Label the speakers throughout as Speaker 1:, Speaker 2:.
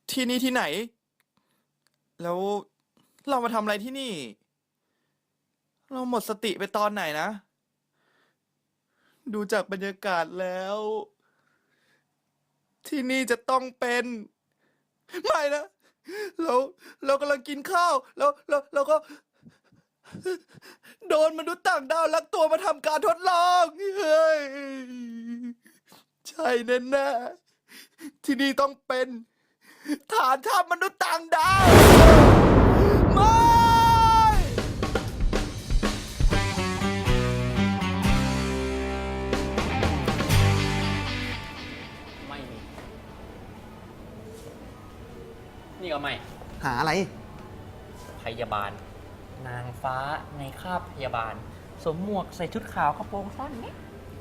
Speaker 1: ที่นี่ที่ไหน แล้วเรามาทำอะไรที่นี่ เราหมดสติไปตอนไหนนะ ดูจากบรรยากาศแล้ว ที่นี่จะต้องเป็น ไม่นะเรากำลังกินข้าว แล้วก็ โดนมนุษย์ต่างดาวลักตัวมาทำการทดลอง เฮ้ย ใช่แน่ๆที่นี่ต้องเป็นฐานทัพมนุษย์ต่างดาว ไม่
Speaker 2: ไม่มี นี่ก็ไม่
Speaker 3: หาอะไร
Speaker 2: พยาบาล นางฟ้าในคราบพยาบาล สวมหมวกใส่ชุดขาวกระโปรงสั้นเนี่ย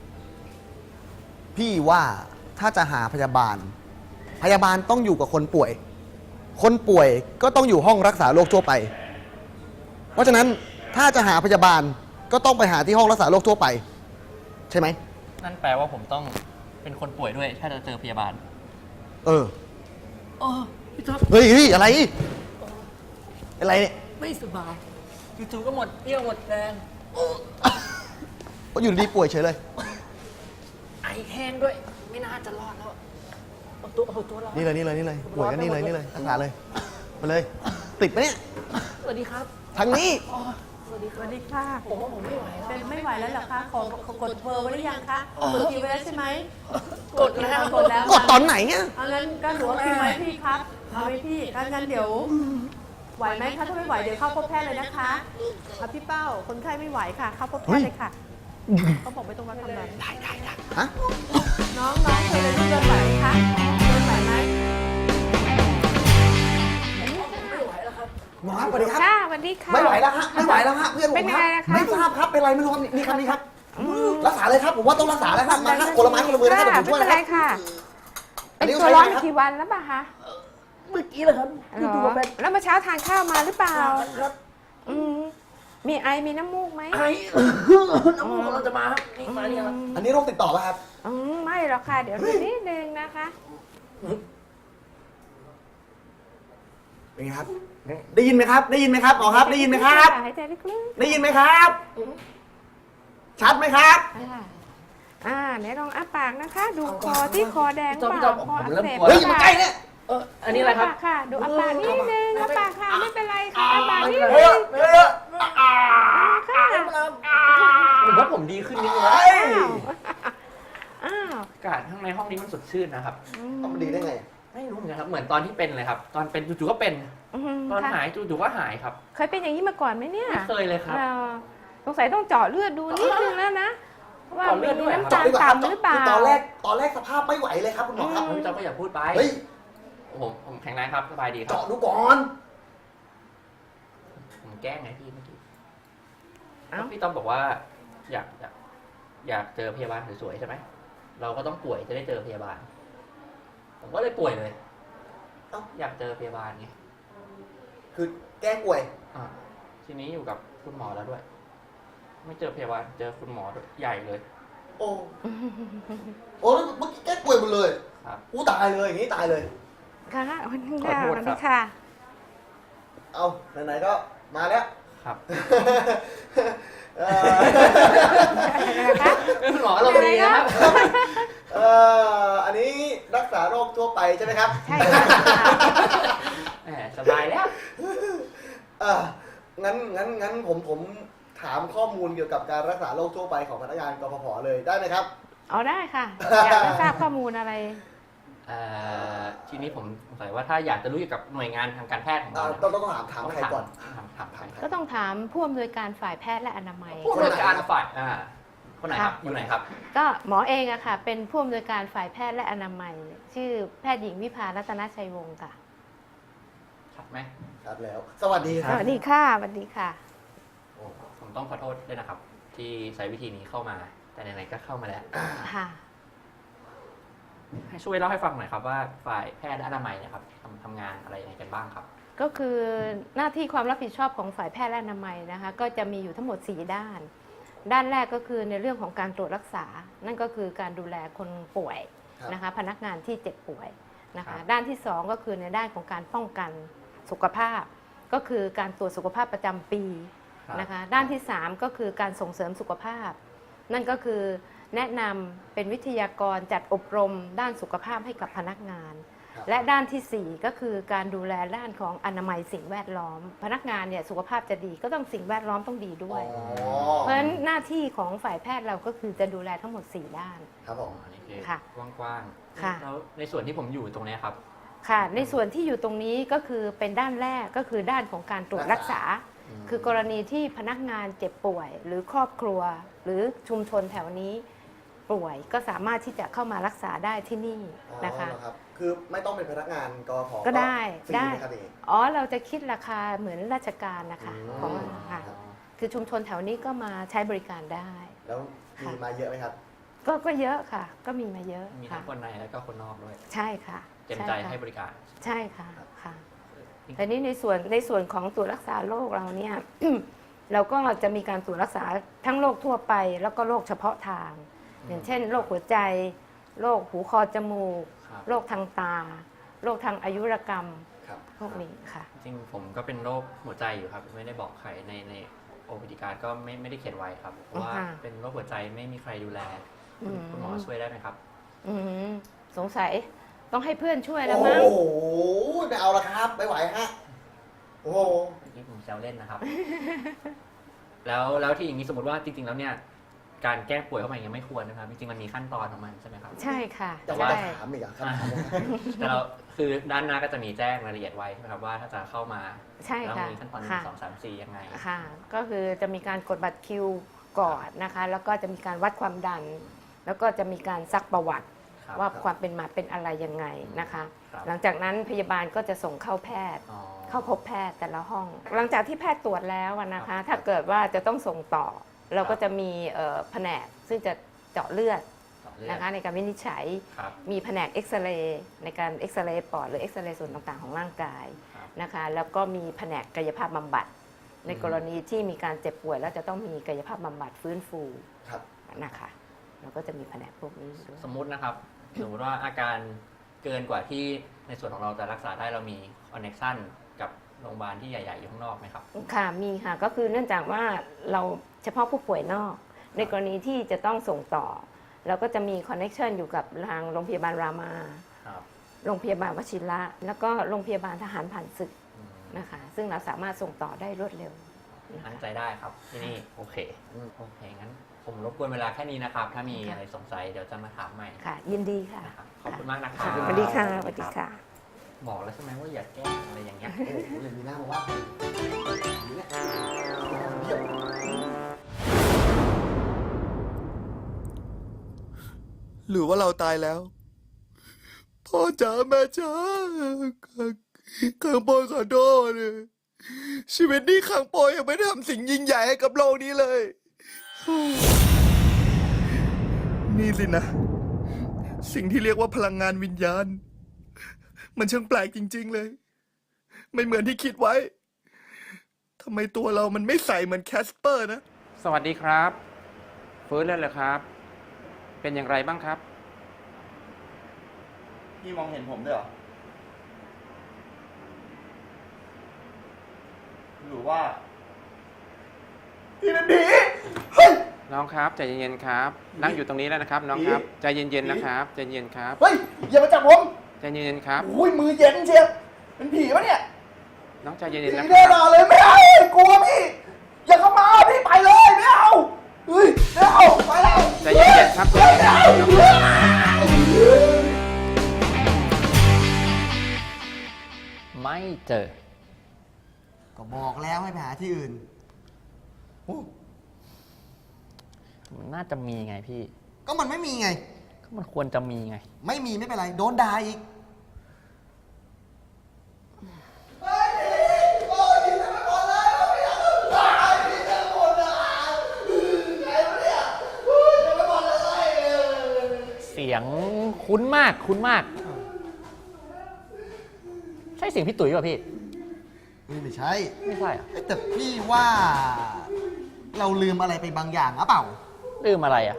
Speaker 3: พี่ว่าถ้าจะหาพยาบาล พยาบาลต้องอยู่กับคนป่วย คนป่วยก็ต้องอยู่ห้องรักษาโรคทั่วไป เพราะฉะนั้นถ้าจะหาพยาบาลก็ต้องไปหาที่ห้องรักษาโรคทั่วไป ใช่ไหม
Speaker 2: นั่นแปลว่าผมต้องเป็นคนป่วยด้วย ถ้าจะเจอพยาบาล
Speaker 3: เออ
Speaker 2: อ๋อพี่ท็อป
Speaker 3: เฮ้ยอะไร อะไรเนี่ย
Speaker 2: ไม่สบายจู่ๆก็หมดเรี่ยวหมดแรง
Speaker 3: ก็อยู่ดีๆป่วยเฉยเลย
Speaker 2: ไอแห้งด้วย ไม่น่าจะรอดแล้วเอาตัวเรา
Speaker 3: นี่เลยป่วยก็นี่เลยรักษาเลยไปเลย ติดไหมเนี่ย
Speaker 2: สวัสดีครับ
Speaker 3: ทางนี้
Speaker 2: สวัสดีค
Speaker 4: ส
Speaker 2: รับ
Speaker 4: วัสดีค่ะ
Speaker 2: ผมว่าผมไม่ไหวแล้ว
Speaker 4: เป็นไม่ไหวแล้วเหรอคะ ขอกดเบอร์ไว้หรือยังคะกดคิวไว้แล้วใช่ไหม
Speaker 2: กดแล้ว
Speaker 4: กดแล้ว
Speaker 3: กดตอนไหนเนี่ย
Speaker 4: เอางั้นก็หนูเอาคิวไว้พี่ครับเอาไว้พี่งั้นเดี๋ยว ไหวไหมคะถ้าไม่ไหวเดี๋ยวเข้าพบแพทย์เลยนะคะเอาพี่เป้าคนไข้ไม่ไหวค่ะ เข้าพบแพทย์เลยค่ะเขาบอกไม่ต้องมาทำงาน
Speaker 3: ฮะ
Speaker 4: น้องเคยเดินลูกเดินไหวไหมคะเดินไหวไหม
Speaker 3: หมอครับสวัสดีครับ
Speaker 5: ค่ะสวัสดีค่ะ
Speaker 3: ไม่ไหวแล้วฮะเพื่อนผม
Speaker 5: เป็น
Speaker 3: ค
Speaker 5: ยัง
Speaker 3: รั
Speaker 5: ไง
Speaker 3: บ
Speaker 5: อะคะ
Speaker 3: ไม่ทราบครับเป็นไรไม่รู้ครับนี่ครับนี่ครับรักษาเลยครับผมว่าต้องรักษาแล้วครับมาครับคนละไม้คนละมือนะครับเดี๋ยวผมช่วย
Speaker 5: ไม่
Speaker 3: นะ
Speaker 5: เป็น
Speaker 3: ค
Speaker 5: ไร
Speaker 3: รับ
Speaker 5: ค่ะ
Speaker 3: อัน
Speaker 5: เป็น
Speaker 3: นี้
Speaker 5: ตัว
Speaker 3: ใช้
Speaker 5: ร้อน
Speaker 3: อะไรครับ
Speaker 5: กี่วันแล้วป่ะคะ
Speaker 2: เมื่อกี้เหรอครับ
Speaker 5: เหรอแล้วเมื่อเช้าทานข้าวมาหรือเปล่าอืมมีไอมีน้ำมูกไหม
Speaker 2: ไอน้ำมูกกำลังจะมาครับนี่มาเนี่ยครับ
Speaker 3: อันนี้โรคติดต่อป่ะครับ
Speaker 5: ไม่หรอกค่ะ เดี๋ยวดูนิดนึงนะคะ
Speaker 3: เป็นไงครับ ได้ยินไหมครับ ได้ยินไหมครับหมอครับ ได้ยินไหมครับ
Speaker 5: หายใจลึก
Speaker 3: ได้ยินไหมครับ ชัดไหมครับ
Speaker 5: ๆเดี๋ยวลองอ้าปากนะคะ ดูคอที่คอแดงเปล่าคออักเสบ
Speaker 3: เฮ้ยอย่ามาใกล้เนี่ย
Speaker 2: อันนี้อะไรครับ
Speaker 5: ค่ะ ดูอ้าปากนิดนึงอ้าปากค่ะไม่เป็นไรค่ะอ้าปากนิดนึ
Speaker 3: เฮ้ย
Speaker 5: ง
Speaker 3: เฮ้ย
Speaker 5: ค่ะ
Speaker 2: ผมว่าผมดีขึ้นนิดนึงแล้ว
Speaker 5: อ้าว
Speaker 2: อากาศข้างในห้องนี้มันสดชื่นนะครับ
Speaker 3: ต้องดีได้ไง
Speaker 2: ไม่รู้เหมือนกันครับ เหมือนตอนที่เป็นเลยครับ ตอนเป็นจู่ๆก็เป็น ตอน
Speaker 5: ค่ะ
Speaker 2: หายจู่ๆก็หายครับ
Speaker 5: เคยเป็นอย่างนี้มาก่อนไหมเนี่ย
Speaker 2: ไม่เคยเลยครับ
Speaker 5: สงสัยต้องเจาะเลือดดูนิดนึงแล้วนะ ว่า
Speaker 2: เจาะเลื
Speaker 5: มี
Speaker 2: อดด้วยเหรอ
Speaker 5: น้ำ
Speaker 3: เจาะ
Speaker 5: ตาล
Speaker 3: ดีกว่าครับ
Speaker 5: ต่ำหรือเปล่า
Speaker 3: คือตอนแรกสภาพไม่ไหวเลยครับคุณหมอครับ
Speaker 2: พี่จอมก็อย่าพูดไป
Speaker 3: เฮ้ย
Speaker 2: ผมแข็งแรงครับสบายดีครับ
Speaker 3: เจาะดูก่อน
Speaker 2: ผมแกล้งไงพี่เมื่อกี้
Speaker 5: เอ้า
Speaker 2: พี่ต้อมบอกว่า อยากเจอพยาบาลสวยๆใช่ไหม เราก็ต้องป่วยจะได้เจอพยาบาล ผมก็เลยป่วยเลย
Speaker 3: เอ้า
Speaker 2: อยากเจอพยาบาลไง
Speaker 3: คือแก้ป่วย
Speaker 2: ทีนี้อยู่กับคุณหมอแล้วด้วย ไม่เจอพยาบาลเจอคุณหมอด้วยใหญ่เลย
Speaker 3: โอ้แล้วเมื่อกี้แก้ป่วยหมดเลย
Speaker 2: ครับ
Speaker 3: อู้ตายเลยอย่างนี้ตายเลย
Speaker 5: ค่ะวันนี้
Speaker 2: ขอ
Speaker 5: ค่ะ
Speaker 2: โทษ
Speaker 5: วัน
Speaker 2: ครั
Speaker 5: นี้
Speaker 2: บ
Speaker 5: ค่ะ
Speaker 3: เอาไหนๆก็มาแล้ว
Speaker 2: ครับ
Speaker 3: เอ่อ
Speaker 5: นะคะ
Speaker 2: คุณหมอเราดีนะครับ
Speaker 3: อันนี้รักษาโรคทั่วไปใช่ไหมครับ
Speaker 5: ใช่ค่ะ
Speaker 2: แหมสบายแล้ว
Speaker 3: งั้นผมถามข้อมูลเกี่ยวกับการรักษาโรคทั่วไปของพนักงานกพผเลยได้ไหมครับ
Speaker 5: เอาได้ค่ะ อยากจะทราบข้อมูลอะไร
Speaker 2: ทีนี้ผมสงสัยว่าถ้าอยากจะรู้เกี่ยวกับหน่วยงานทางการแพทย์ของเราเนี่ย
Speaker 3: ต้องถามใครก่อน
Speaker 2: ถามใคร
Speaker 5: ก็ต้องถามผู้อำนวยการฝ่ายแพทย์และอนามัย
Speaker 2: ผู้อำนวยการฝ่ายคนไหนครับ
Speaker 5: ค่ะ
Speaker 2: อยู่ไหนครับ
Speaker 5: ก็หมอเองอะค่ะ เป็นผู้อำนวยการฝ่ายแพทย์และอนามัย ชื่อแพทย์หญิงวิภารัตนชัยวงศ์ค่ะ
Speaker 2: ชัดไหม
Speaker 3: ครับแล้ว สวัสดีค
Speaker 5: ส
Speaker 3: รับ
Speaker 5: วัสดีค่ะสวัสดีค่ะ
Speaker 2: ผมต้องขอโทษด้วยนะครับ ที่ใช้วิธีนี้เข้ามา แต่ไหนๆก็เข้ามาแล้ว
Speaker 5: ค่ะ
Speaker 2: ให้ช่วยเล่าให้ฟังหน่อยครับว่าฝ่ายแพทย์และอนามัยเนี่ยครับทำงานอะไรยังไงกันบ้างครับ
Speaker 5: ก็คือหน้าที่ความรับผิดชอบของฝ่ายแพทย์และอนามัยนะคะ ก็จะมีอยู่ทั้งหมด 4 ด้าน ด้านแรกก็คือในเรื่องของการตรวจรักษา นั่นก็คือการดูแลคนป่วย
Speaker 3: ครับ
Speaker 5: นะคะ พนักงานที่เจ็บป่วยนะ
Speaker 2: ครั
Speaker 5: คะ
Speaker 2: บ
Speaker 5: ด้านที่ 2 ก็คือในด้านของการป้องกันสุขภาพ ก็คือการตรวจสุขภาพประจำปี
Speaker 2: ครับ
Speaker 5: นะคะด้านที่ 3 ก็คือการส่งเสริมสุขภาพ นั่นก็คือแนะนำเป็นวิทยากรจัดอบรมด้านสุขภาพให้กับพนักงาน
Speaker 3: ครับ
Speaker 5: และด้านทีสี่ 4 ก็คือการดูแลด้านของอนามัยสิ่งแวดล้อม พนักงานเนี่ยสุขภาพจะดีก็ต้องสิ่งแวดล้อมต้องดีด้วย เพราะฉะนั้นหน้าที่ของฝ่ายแพทย์เราก็คือจะดูแลทั้งหมด 4 ด้าน
Speaker 3: ครับผม
Speaker 2: อันนี้คือ
Speaker 5: ค่ะ
Speaker 2: กว้าง
Speaker 5: ค่ะ
Speaker 2: ๆแล้วในส่วนที่ผมอยู่ตรงเนี้ยครับ
Speaker 5: ค่ะในส่วนที่อยู่ตรงนี้ก็คือเป็นด้านแรกก็คือด้านของการตรวจรักษา คือกรณีที่พนักงานเจ็บป่วย หรือครอบครัว หรือชุมชนแถวนี้ป่วยก็สามารถที่จะเข้ามารักษาได้ที่นี่นะคะ
Speaker 3: อ๋อเหรอรับคือไม่ต้องเป็นพนักงานกพ
Speaker 5: ก็ได้
Speaker 3: ฟรี
Speaker 5: ได้
Speaker 3: ไหมครับเอง
Speaker 5: อ๋อเราจะคิดราคาเหมือนราชการนะคะ
Speaker 3: อืม
Speaker 5: ของค่ะคือชุมชนแถวนี้ก็มาใช้บริการได้
Speaker 3: แล้วมีมาเยอะไหมครับ
Speaker 5: ก็เยอะค่ะ ก็มีมาเยอะ
Speaker 2: มี
Speaker 5: ค่ะ
Speaker 2: ทั้งคนในแล้วก็คนนอกด้วย
Speaker 5: ใช่ค่ะ
Speaker 2: เต็มใจ
Speaker 5: ค่ะ
Speaker 2: ให้บริการ
Speaker 5: ใช่ค่ะค่ะแต่นี้ในส่วนของตรวจรักษาโรคเราเนี่ย เราก็จะมีการตรวจรักษาทั้งโรคทั่วไป แล้วก็โรคเฉพาะทาง อย่างเช่นโรคหัวใจโรคหูคอจมูก
Speaker 2: ครับ
Speaker 5: โรคทางตาโรคทางอายุรกรรม
Speaker 3: ครับ
Speaker 5: พวกนี้ค่ะ
Speaker 2: จริงๆผมก็เป็นโรคหัวใจอยู่ครับ ไม่ได้บอกใครในโอพิธีการก็ไม่ได้เขียนไว้ครับ เพราะว่า
Speaker 5: อ่าฮะ
Speaker 2: เป็นโรคหัวใจไม่มีใครดูแล
Speaker 5: อืม
Speaker 2: คุณหมอช่วยได้ไหมครับ
Speaker 5: อืมสงสัยต้องให้เพื่อนช่วยแล้ว
Speaker 3: โอ้
Speaker 5: มั้ง
Speaker 3: โหไม่เอาละครับ ไม่ไหวฮะ โอ้โห
Speaker 2: นี่ผมแซวเล่นนะครับ แล้วที่อย่างนี้สมมติว่าจริงๆแล้วเนี่ยการแก้ป่วยเข้ามาอย่างเงี้ยไม่ควรนะครับ จริงๆมันมีขั้นตอนของมันใช่ไหมครับ
Speaker 5: ใช่ค่ะ
Speaker 3: แต่
Speaker 2: ว่า
Speaker 3: ว่า
Speaker 5: ใช่
Speaker 3: ถามอีกอะคำถามเนี่ย
Speaker 2: แต่เราคือด้านหน้าก็จะมีแจ้งรายละเอียดไว้ใช่ไหมครับว่าถ้าจะเข้ามา
Speaker 5: ใช่
Speaker 2: แล้ว
Speaker 5: ค่ะ
Speaker 2: มีขั้นตอน
Speaker 5: ค่ะ
Speaker 2: 1 2 3 4ยังไง
Speaker 5: ค่ะ ก็คือจะมีการกดบัตรคิวก่อนนะคะ แล้วก็จะมีการวัดความดัน แล้วก็จะมีการซักประวัติ
Speaker 2: ครับ
Speaker 5: ว่าความเป็นมาเป็นอะไรยังไงนะคะ
Speaker 2: ครับ
Speaker 5: หลังจากนั้นพยาบาลก็จะส่งเข้าแพทย์
Speaker 2: อ๋อ
Speaker 5: เข้าพบแพทย์แต่ละห้อง หลังจากที่แพทย์ตรวจแล้วอะนะ
Speaker 2: ครั
Speaker 5: คะ
Speaker 2: บ
Speaker 5: ถ้าเกิดว่าจะต้องส่งต่อ เราก็
Speaker 2: ครับ
Speaker 5: จะมีแผนกซึ่งจะเจาะเลือด
Speaker 2: ต่อเลือด
Speaker 5: นะคะในการวินิจฉัย
Speaker 2: ครับ
Speaker 5: มีแผนกเอ็กซเรย์ในการเอ็กซเรย์ปอดหรือเอ็กซเรย์ส่วนต่างๆของร่างกาย
Speaker 2: ครับ
Speaker 5: นะคะ แล้วก็มีแผนกกายภาพบำบัด ในกรณีที่มีการเจ็บป่วยแล้วจะต้องมีกายภาพบำบัดฟื้นฟู
Speaker 3: ครับ
Speaker 5: นะคะเราก็จะมีแผนกพวกนี้ด้วย
Speaker 2: สมมุตินะครับ สมมติว่าอาการเกินกว่าที่ในส่วนของเราจะรักษาได้เรามีคอนเน c ชันกับโรงพยาบาลที่ใหญ่ๆอยู่ข้างนอกไหมครับ
Speaker 5: ค่ะมีค่ะก็คือเนื่องจากว่าเราเฉพาะผู้ป่วยนอก ในกรณีที่จะต้องส่งต่อ เราก็จะมีคอนเน็ชันอยู่กับทางโรงพยาบาลรามา
Speaker 2: ครับ
Speaker 5: โรงพยาบาลวชิระ แล้วก็โรงพยาบาลทหารผ่านศึก
Speaker 2: อืม
Speaker 5: นะคะ ซึ่งเราสามารถส่งต่อได้รวดเร็วนะคะ
Speaker 2: มั่นใจได้ครับที่นี่โอเคโอเคงั้นผมรบกวนเวลาแค่นี้นะครับ ถ้ามีอะไรสงสัยเดี๋ยวจะมาถามใหม่
Speaker 5: ค่ะ ยินดีค่ะ
Speaker 2: นะครับขอบคุณมากนะครั
Speaker 5: ค่ะ
Speaker 2: บ
Speaker 5: สวัสดีค่ะสวัสดีค่ะ
Speaker 2: บอกแล้วใช่ไหมว่าอย่าแกล้งอะไรอย่างเงี้ย
Speaker 3: โอ้โหเลยมีหน้ามาว่าอย่างนี้เยี่ยม
Speaker 1: หรือว่าเราตายแล้ว พ่อจ๋าแม่จ๋าขังโปอยขอโทษชีวิตนี้ขังโปอยยังไม่ได้ทำสิ่งยิ่งใหญ่ให้กับโลกนี้เลย นี่สินะ สิ่งที่เรียกว่าพลังงานวิญญาณ มันช่างแปลกจริง ๆ เลย ไม่เหมือนที่คิดไว้ทำไมตัวเรามันไม่ใสเหมือนแคสเปอร์นะ
Speaker 6: สวัสดีครับฟื้นแล้วเหรอครับ เป็นอย่างไรบ้างครับ
Speaker 3: พี่มองเห็นผมด้วยเหรอ หรือว่า พี่เป็นผี เฮ้ย
Speaker 6: น้องครับใจเย็นๆครับ นั่งอยู่ตรงนี้แล้วนะครับ น้องครับใจเย็นๆนะครับใจเย็นครับ
Speaker 3: เฮ้ย อย่ามาจับผม
Speaker 6: ใจเย็นๆครับ
Speaker 3: โอ้ยมือเย็นเชียวเป็นผีปะเนี่ย
Speaker 6: น้องใจเย็
Speaker 3: ผี
Speaker 6: นๆนะค
Speaker 3: แน่
Speaker 6: รับ
Speaker 3: นอนเลยไม่เอากลัวพี่ อย่าเข้ามาพี่ไปเลยไม่เอาเฮ้ยไม่เอาไปแล้ว
Speaker 6: ใจเย็นๆครับใจเย็นๆครับน้องครับ
Speaker 2: ไม่เจอ
Speaker 3: ก็บอกแล้วให้ไปหาที่อื่น
Speaker 2: มันน่าจะมีไงพี่
Speaker 3: ก็มันไม่มีไง
Speaker 2: ก็มันควรจะมีไง
Speaker 3: ไม่มีไม่เป็นไร โดนด่าอีก
Speaker 2: เสียงคุ้นมากคุ้นมาก ใช่เสียงพี่ตุ๋ยป่ะพี่
Speaker 3: ไม่ใช่
Speaker 2: ไม่ใช่อ่ะ
Speaker 3: เอ้ยแต่พี่ว่าเราลืมอะไรไปบางอย่างหรือเปล่า
Speaker 2: ลืมอะไรอ่ะ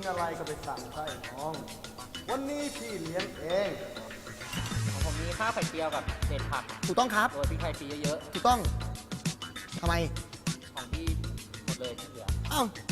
Speaker 3: อะไรก็ไปสั่งใช่น้อง วันนี้พี่เลี้ยงเอง
Speaker 7: ของผมมีข้าวไข่เจียวกับเศษผัก
Speaker 3: ถูกต้องครับ
Speaker 7: โรยพริกไทยฟรีเยอะ
Speaker 3: ถูกต้องทำไม
Speaker 7: ๆ ของพี่หมดเลยที่เหลือ
Speaker 3: อ้าว